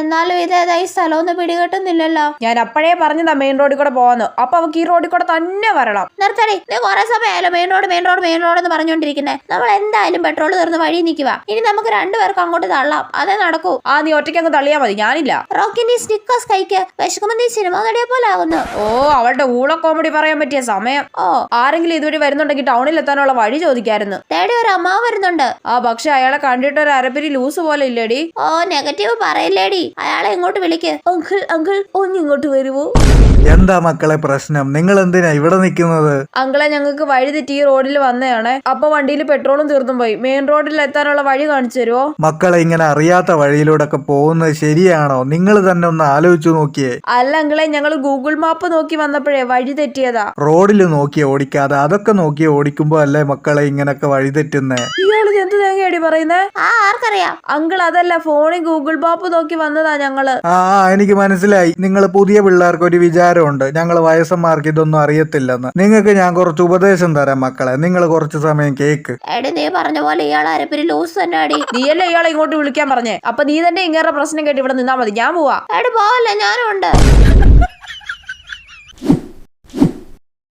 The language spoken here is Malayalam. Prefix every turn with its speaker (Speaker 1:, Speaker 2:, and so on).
Speaker 1: എന്നാലും ഇതേതായി സ്ഥലമൊന്നും പിടികിട്ടുന്നില്ലല്ലോ.
Speaker 2: ഞാൻ അപ്പോഴേ പറഞ്ഞതാ മെയിൻ റോഡിൽ കൂടെ പോവാന്ന്. അപ്പൊ അവക്ക് ഈ റോഡിൽ കൂടെ തന്നെ വരണം.
Speaker 1: നിർത്തടി, നീ കുറെ സമയമായാലോ മെയിൻ റോഡ് എന്ന് പറഞ്ഞോണ്ടിരിക്കുന്നേ. നമ്മൾ എന്തായാലും പെട്രോൾ തീർന്ന് വഴി നിൽക്കുക. ഇനി നമുക്ക് രണ്ടുപേർക്ക് അങ്ങോട്ട് തള്ളാം, അതേ നടക്കൂ.
Speaker 2: നീ ഒറ്റയ്ക്ക് അങ്ങ് തള്ളിയാ മതി, ഞാനില്ല.
Speaker 1: റോക്കി, നീ സ്നിക്കേഴ്സ് കഴിക്ക്, വിശക്കുമ്പോ നീ സിനിമ നടിയെ പോലെ ആവുന്നു.
Speaker 2: അവളുടെ ഊള കോമഡി പറയാൻ പറ്റിയ സമയം. ആരെങ്കിലും ഇതുവഴി വരുന്നുണ്ടെങ്കിൽ ടൗണിൽ എത്താനുള്ള വഴി ചോദിക്കായിരുന്നു.
Speaker 1: തേടി ഒരു അമ്മ വരുന്നുണ്ട്.
Speaker 2: പക്ഷെ അയാളെ കണ്ടിട്ട് ഒരു അരപ്പിരി ലൂസ് പോലെ ഇല്ലേടി.
Speaker 1: നെഗറ്റീവ് പറയില്ലേടി, അയാളെ ഇങ്ങോട്ട് വിളിക്ക്.
Speaker 2: അങ്കിൾ ഒന്നിങ്ങോട്ട് വരുവോ?
Speaker 3: എന്താ മക്കളെ പ്രശ്നം? നിങ്ങൾ എന്തിനാ ഇവിടെ നിൽക്കുന്നത്?
Speaker 2: അങ്കിളെ, ഞങ്ങൾക്ക് വഴി തെറ്റി ഈ റോഡിൽ വന്നതാണ്. അപ്പൊ വണ്ടിയിൽ പെട്രോളും തീർന്നും പോയി. മെയിൻ റോഡിൽ എത്താനുള്ള വഴി കാണിച്ചു തരുമോ?
Speaker 3: മക്കളെ, ഇങ്ങനെ അറിയാത്ത വഴിയിലൂടെ ഒക്കെ പോകുന്നത് ശരിയാണോ? നിങ്ങൾ തന്നെ ഒന്ന് ആലോചിച്ചു നോക്കിയേ.
Speaker 2: അല്ല അങ്കിളെ, ഞങ്ങൾ ഗൂഗിൾ മാപ്പ് നോക്കി വന്നപ്പോഴേ വഴി തെറ്റിയതാ.
Speaker 3: റോഡിൽ നോക്കി ഓടിക്കാതെ അതൊക്കെ നോക്കി ഓടിക്കുമ്പോ അല്ലേ മക്കളെ ഇങ്ങനൊക്കെ വഴി തെറ്റുന്നേ?
Speaker 2: ഇയാള് എന്ത് തേങ്ങയടി പറയുന്നേ?
Speaker 1: ആർക്കറിയാം
Speaker 2: അങ്കിൾ, അതല്ല, ഫോണിൽ ഗൂഗിൾ മാപ്പ് നോക്കി വന്നതാ ഞങ്ങള്.
Speaker 3: എനിക്ക് മനസ്സിലായി. നിങ്ങൾ പുതിയ പിള്ളേർക്ക് ഒരു വിചാരമുണ്ട് ഞങ്ങൾ വയസ്സന്മാർക്ക് ഇതൊന്നും അറിയത്തില്ലെന്ന്. നിങ്ങൾക്ക് ഞാൻ കുറച്ച് ഉപദേശം തരാം മക്കളെ, നിങ്ങൾ കുറച്ച് സമയം കേക്ക്.
Speaker 1: നീ പറഞ്ഞ പോലെ ഇയാൾ അരപ്പിരി ലൂസ് തന്നെ അടി.
Speaker 2: നീയല്ലേ ഇയാളെ ഇങ്ങോട്ട് വിളിക്കാൻ പറഞ്ഞേ? അപ്പൊ നീ തന്നെ ഇങ്ങനെ പ്രശ്നം കേട്ട് ഇവിടെ നിന്നാ മതി, ഞാൻ പോവാ.
Speaker 1: പോവല്ലേ, ഞാനും ഉണ്ട്.